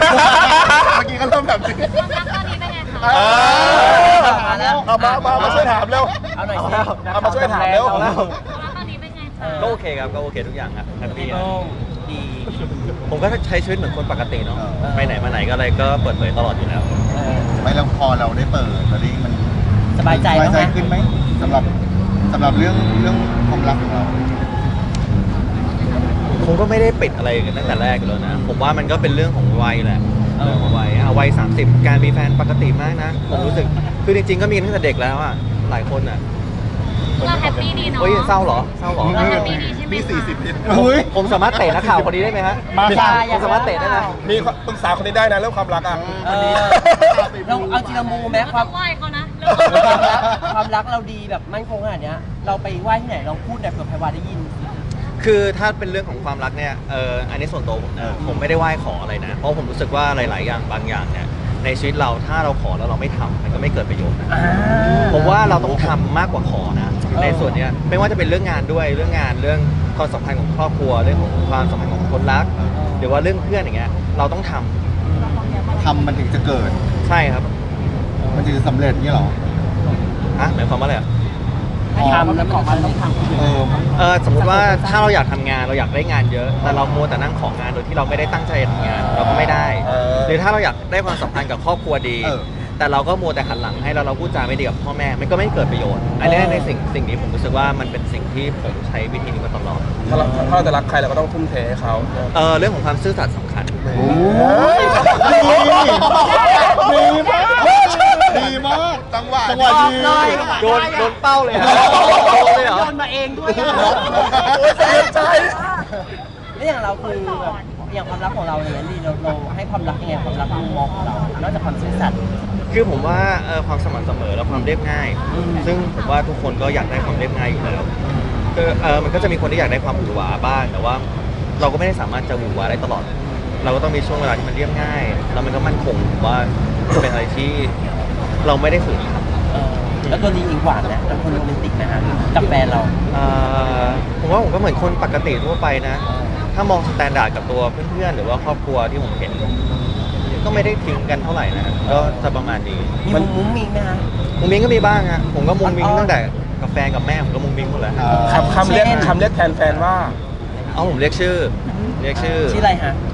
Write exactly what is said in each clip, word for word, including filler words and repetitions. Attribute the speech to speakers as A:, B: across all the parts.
A: เมื่อกี้ก็เริ่มแบบนี้
B: ความรักตอนนี้เป็นไงคะ
A: เอาแล้วเอามามามาช่วยถามเร็ว
C: เอาหน่อยสิ
A: เอามาช่วยถามเร็ว
B: ความรักตอนนี้เป็นไงคะ
D: ก็โอเคครับก็โอเคทุกอย่างครับแฮปปี้
C: พี่โต้งดี
D: ผมก็ใช้ชีวิตเหมือนคนปกติเนาะไปไหนมาไหนก็อะไรก็เปิดเผยตลอดอยู่แล้ว
C: เออ
A: ไม่แล้วพอเราได้เปิดตอนนี้มัน
C: สบายใจ
A: สบายใจ
C: บ้างไหม
A: ขึ้นไหมสำหรับสำหรับเรื่องเรื่องความรักของเรา
D: ผมก็ไม่ได้ปิดอะไรกันตั้งแต่แรกอยู่แล้วนะผมว่ามันก็เป็นเรื่องของวัยแหละเรื่องของวัยอ่ะวัยสามสิบการมีแฟนปกติมากนะผมรู้สึกคือจริงๆก็มีตั้งแต่เด็กแล้วอ่ะหลายคนอ่ะ
B: เราแฮปปี้ดีเนาะ
D: เฮ้ยเศร้าเหรอเศร้าเหรอ
B: เราแฮปปี้ดีใช่ไหม
A: มี
B: คะ
A: สี่สิบนิด
D: ผมสามารถเตะนักข่าวคนนี้ได้ไหมฮะ
A: มาค่ะ
D: ผมสามารถเตะได้ไหม
A: มีปรึกษาคนนี้ได้นะเรื่องความรักอ่ะ
C: เออเราเอาจริงเรามูไหม
B: เรา
C: ควา
B: ต้
C: ม
B: องไหว้เขานะ
C: ความรักความรักเราดีแบบมั่นคงขนาดเนี้ยเราไปไหว้ที่ไหนลองพูดหน่อยเผื่อไพวาได้ยิน
D: คือถ้าเป็นเรื่องของความรักเนี่ยเอออันนี้ส่วนตัวผมนะผมไม่ได้ไหว้ขออะไรนะ เพราะผมรู้สึกว่าหลาย ๆ อย่างบางอย่างเนี่ยในชีวิตเราถ้าเราขอแล้วเราไม่ทำมันก็ไม่เกิดประโยชน์นะ
C: อ่า
D: ผมว่าเราต้องทำมากกว่าขอนะ
C: เออ
D: ในส่วนเนี้ยไม่ว่าจะเป็นเรื่องงานด้วยเรื่องงานเรื่องความสัมพันธ์ของครอบครัวเรื่องของความสัมพันธ์ของคนรัก หรือว่าเรื่องเพื่อนอย่างเงี้ยเราต้องทำ
A: ทำมันถึงจะเกิด
D: ใช่ครับ
A: มันถึงจะสำเร็จนี่หรอ
D: อ่ะหมายความว่าอะไรอ่ะ
C: ทำแล้วมันต้องทำ
A: เออ
D: เออสมมติว่าถ้าเราอยากทำงานเราอยากได้งานเยอะ แต่เรามัวแต่นั่งของงานโดยที่เราไม่ได้ตั้งใจทำงานเราก็ไม่ได้
A: เออ
D: หรือถ้าเราอยากได้ความสัมพันธ์กับครอบครัวดี
A: เออ
D: แต่เราก็มัวแต่หันหลังให้เราเราพูดจาไม่ดีกับพ่อแม่มันก็ไม่เกิดประโยชน์ อันนี้ในสิ่งสิ่งนี้ผมรู้สึกว่ามันเป็นสิ่งที่ผมใช้วิธีนี้มาตลอด
E: ถ้าเราถ้าเราจะรักใครเราก็ต้องทุ่มเทให้เขา
D: เออเรื่องของความซื่อสัตย์สำคัญ
A: โอ้ยดีดีมากดีมากจังหวะจังหวะดี
D: โดนโดนเป้าเลยเหรอโดนเลยเหรอ
C: โยนมาเองด้วยอะ
A: โอ้ยเสียใจ
C: แล้วอย่างเราคือแบบอย่างความรักของเราอย่างนี้ดีเราเราให้ความรักยังไงความรักมุมมองของเรานอกจากความซื่อสัตย์
D: คือผมว่าเอ่อความสม่ำเสมอและความเรียบง่าย
C: อืม
D: ซึ่งผมว่าทุกคนก็อยากได้ความเรียบง่ายอยู่แล้วคือเออมันก็จะมีคนที่อยากได้ความหวือหวาบ้าง แต่ว่าเราก็ไม่ได้สามารถจะหวือหวาได้ตลอด เราก็ต้องมีช่วงเวลาที่มันเรียบง่าย แล้วมันก็มั่นคงผมว่าเป็นอะไรที่เราไม่ได้ฝืนทำ
C: เออแล้วตัวนี้อิงหวานนะเป็นคนโรแมนติกนะฮะกับแฟนเรา
D: เอ่อผมว่าผมก็เหมือนคนปกติทั่วไปนะ ถ้ามองสแตนดาร์ดกับตัวเพื่อนๆหรือว่าครอบครัวที่ผมเห็น ก็ไม่ได้ทิ้งกันเท่าไหร่นะก็จะประมาณนี้
C: มีมุ้งมุ้งมิ้งไหมฮะ
D: มุงมิงก็มีบ้างอะผมก็มุงมิง
C: อ๋อ
D: ตั้งแต่กับแฟนกับแม่ผมก็มุงมิงหมดแล้ว
E: คำคำเรียกคำเรียกแทนแฟนว่า
D: เอาผมเรียกชื่อ เรียกชื่อ
C: ชื่ออะไรฮะ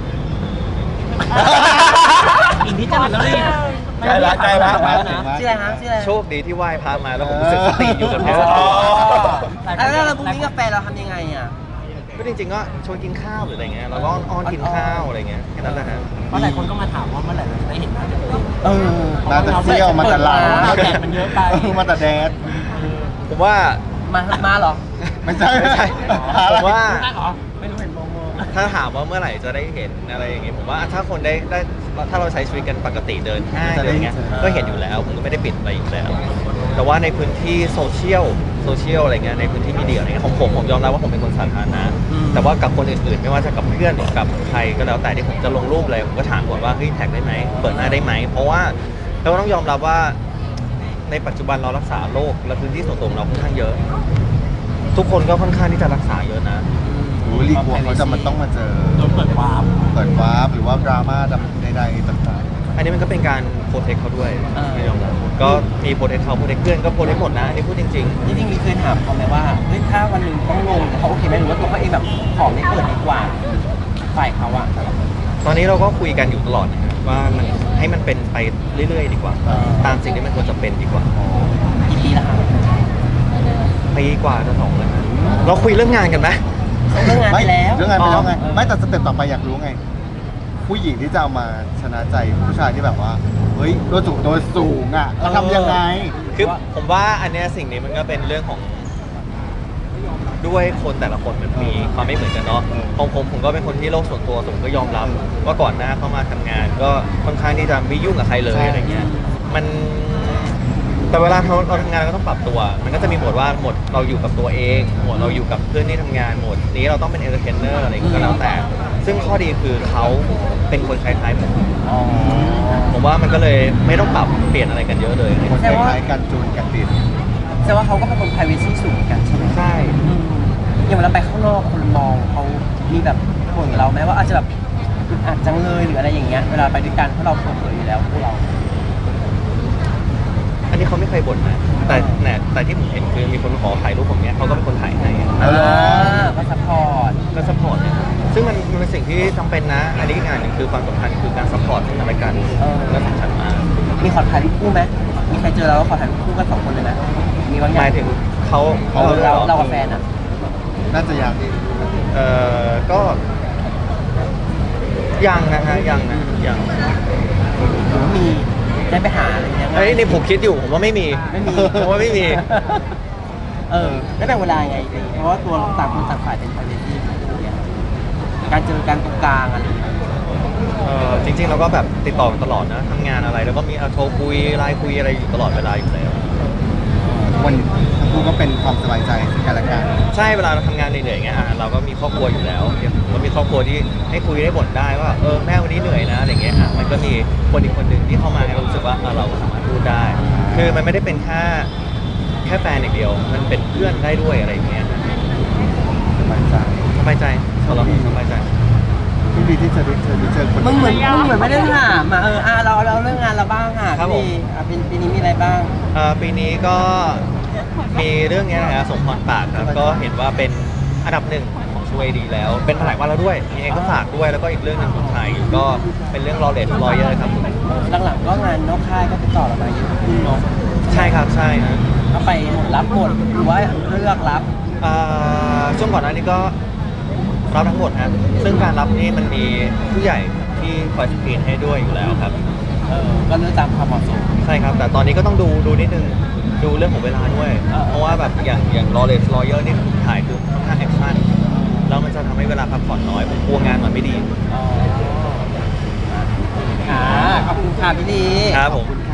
C: อินที่จังหวัดแล้วนี่
E: ใกล้ละใกล้ละ
C: ชื่ออะไรฮะชื่ออะไร
D: โชคดีที่ไหว้พระมาแล้วผมรู้สึกสติอยู่กับเนื้อ
E: อ๋อ
C: แล้วเรามุ้งมิ้งกับแฟนเราทำยังไงอ่ะ
D: ก็จริงๆก็ชวนกินข้าวหรืออะไรเงี้ยแล้วก็อ้อนๆกินข้าวอะไรเงี้ยแค่นั้นแหละฮะ
F: เพราะหลายคนก็มาถามว่าเมื่อไหร่เราจะได้เห็นหน้าตัวเอง
C: เออ
A: มาแต่เซี่ยวมาแต่ลาว
C: มาแต่
F: มันเยอะไป
A: เออมาแต่แดด
D: ผมว่า
C: มามาเหรอ
A: ไม่ใช่
D: ไม่ใช่
A: หาอะไร
D: ผมว่า
F: ได้เหรอ ไม่รู้เห็นโมโม
D: ถ้าถามว่าเมื่อไหร่จะได้เห็นอะไรอย่างเงี้ยผมว่าถ้าคนได้ได้ถ้าเราใช้ชีวิตกันปกติเดินห้างเดินอย่างเงี้ยก็เห็นอยู่แล้วผมก็ไม่ได้ปิดอะไรอยู่แล้ว แต่ว่าในพื้นที่โซเชียลโซเชียลอะไรเงี้ยในพื้นที่มีเดียอะไรเงี้ยของผมผมยอมรับว่าผมเป็นคนสาธารณะแต่ว่ากับคนอื่นๆ ไม่ว่าจะกับเพื่อนหรือกับใครก็แล้วแต่ที่ผมจะลงรูปอะไรผมก็ถามก่อนว่าเฮ้ยแท็กได้ไหมเปิดหน้าได้ไหมเพราะว่าเราก็ต้องยอมรับว่าในปัจจุบันเรารักษาโรคและพื้นที่ส่วนตัวของเราค่อนข้างเยอะ ทุกคนก็ค่อนข้างที่จะรักษาเยอะนะ
A: โอ้ยรีกลัวเขาจะมันต้องมาเจอ
F: โดนเปิดวาร์ป
A: เปิดวาร์ปหรือว่าดราม่าใดๆต่าง
D: อันนี้มันก็เป็นการโปรเทคเขาด้วย
C: อ่า
D: ไม่ยอมรับก็มีโปรเทคเขาโปรเทคเพื่อนก็โปรเทคหมดนะอันนี่พูดจริง
C: จริงๆมีเคยถามเขาไหมว่าเฮ้ยถ้าวันหนึ่งต้องลงเขาโอเคไหมหรือว่าตัวเขาเองแบบขอไม่เปิดดีกว่าฝ่ายเขาอะ
D: ๆ ตอนนี้เราก็คุยกันอยู่ตลอดนะครับว่ามันให้มันเป็นไปเรื่อยๆ ดีกว่า ตามสิ่งที่มันควรจะเป็นดีกว่า
C: กี่ปีแล้วครับ
D: ปีกว่าจะสองแล้วนะเราคุยเรื่องงานกันไหม
C: เรื่องงาน
A: ๆ
C: ไปแล้ว
A: เรื่องงานไปแล้วไง
C: อ๋อ
A: ไม่แต่สเต็ปต่อไปอยากรู้ไง ผู้หญิงที่จะเอามาชนะใจผู้ชายที่แบบว่าเฮ้ยตัวสูงตัวสูงอ่ะเขาทำยังไง
D: คือผมว่าอันเนี้ยสิ่งนี้มันก็เป็นเรื่องของด้วยคนแต่ละคนมันมีความไม่เหมือนกันเนาะของผมผมก็เป็นคนที่โลกส่วนตัวผมก็ยอมรับว่าก่อนหน้าเข้ามาทำงาน ก็ค่อนข้างที่จะไม่ยุ่งกับใครเลย
A: ใช่
D: อะไรเงี้ยมันแต่เวลาเราเราทำงานเราก็ต้องปรับตัว มันก็จะมีโหมดว่าโหมดเราอยู่กับตัวเองโหมดเราอยู่กับเพื่อนที่ทำงานโหมดนี้เราต้องเป็นเอนเตอร์เทนเนอร์อะไรก็แล้วแต่ ซึ่งข้อดีคือเขาเป็นคนคล้ายๆผม
C: อ๋อ
D: ผมว่ามันก็เลยไม่ต้องปรับเปลี่ยนอะไรกันเยอะเลย
A: คนคล้ายๆกันจูนกันติด
C: แสดงว่าเขาก็เป็นคน privacy สูงเหมือนกันใช่ไหม
D: ใช่
C: อืมอย่างเวลาไปข้างนอกคนมองเขามีแบบห่วงเราไหมว่าอาจจะแบบอึดอัดจังเลยหรืออะไรอย่างเงี้ยเวลาไปด้วยกันเพราะเราเปิดเผยอยู่แล้วพวกเรา
D: อันนี้เขาไม่เคยบ่นนะแต่แต่แต่ที่ผมเห็นคือมีคนขอถ่ายรูปผมเนี้ยเขาก็เป็นคนถ่ายให้
C: เออก็ซัพพอร์ต
D: ก็ซัพพอร์ตเนี่ยซึ่งมันมันเป็นสิ่งที่จำเป็นนะ อันนี้อีกอย่างหนึ่งคือความสัมพันธ์คือการซัพพอร์ตซึ่งกันและกันและสำคัญมาก
C: มีขอถ่ายรูปคู่ไหมมีใครเจอเราแล้วขอถ่ายรูปคู่กันสองคนเลยไหมมีบางอ
D: ห
C: ย่าง
D: มายถึงเขา
C: เราเราเรากับแฟนอ่ะ
A: น่าจะยัง
D: เออก็ยังนะฮะยังนะยัง
C: หรือมีได้ไปหาอะไรเงี้ย
D: เอ้ยนี่ผมคิดอยู่ผมว่าไม่มี
C: ไม่มี
D: ผมว่าไม่มี
C: เออแล้วแบ่งเวลาไงดีเพราะว่าตัวต่างคนต่างฝ่ายเป็นไพรเวซีการเจอกันตรงกลางอะไรอย่างเงี้ย
D: เออจริงๆเราก็แบบติดต่อกันตลอดนะทำงานอะไรแล้วก็มีเอาโทรคุยไลน์คุยอะไรอยู่ตลอดเวลาอยู่แล้ว
A: วันทั้งคู่ก็เป็นความสบายใจซึ่งกันและกัน
D: ใช่เวลาเราทำงานเหนื่อยๆอย่างเงี้ยอ่ะเราก็มีครอบครัวอยู่แล้วก็มีครอบครัวที่ให้คุยได้บ่นได้ว่าเออแม่วันนี้เหนื่อยนะอะไรเงี้ยอ่ะมันก็มีคนอีกคนหนึ่งที่เข้ามาให้เรารู้สึกว่าเออเราสามารถพูดได้ คือมันไม่ได้เป็นแค่แค่แฟนอย่างเดียว มันเป็นเพื่อนได้ด้วยอะไรอย่างเงี้ย
A: สบายใจ
D: สบายใจเราสบายใจ
A: ที่ดีที่จะได้เจอได้เจอคน
C: มึงเหมือนมึงเหมือนไม่ได้ถามอ่ะเอออ่ะเราเราเรื่องงานเราบ้างค่ะ
D: ครับผม
C: พี่อ่ะปีปีนี้มีอะไรบ้าง
D: เอ่อปีนี้ก็มีเรื่องเนี้ยนะครับสมพรปากครับก็เห็นว่าเป็นอันดับหนึ่งของช่วยดีแล้ว เป็นมาหลายวันแล้วด้วยยังไงก็ฝากด้วยแล้วก็อีกเรื่องหนึงผมถ่ายอยู่ก็เป็นเรื่อง Lawless Lawyer ครับผม
C: หลังๆก็งานนอกค่ายก็ติดต่อเรามาเยอะขึ้นเนาะ
D: ใช่ครับใช่ฮะ
C: ก็ไปหมดรับหมดหรือว่าเลือกรับ
D: อ่าช่วงก่อนหน้านี้ก็รับทั้งหมดครับซึ่งการรับนี่มันมีผู้ใหญ่ที่คอยสกรีนให้ด้วยอยู่แล้วครับ
C: เออก็เลือกตามความเหมาะสม
D: ใช่ครับ แต่ตอนนี้ก็ต้องดูดูนิดนึงดูเรื่องของเวลาด้วย
C: เออ
D: เพราะว่าแบบอย่างอย่าง Lawless Lawyer นี่ผมถ่ายคือค่อนข้างแอคชั่นแล้วมันจะทำให้เวลาพักผ่อนน้อยผมกลัวงานมันไม่ดี
C: อ๋ออ่าขอบคุณค่ะพี่ลี
D: ครับผม
A: ขอบคุณ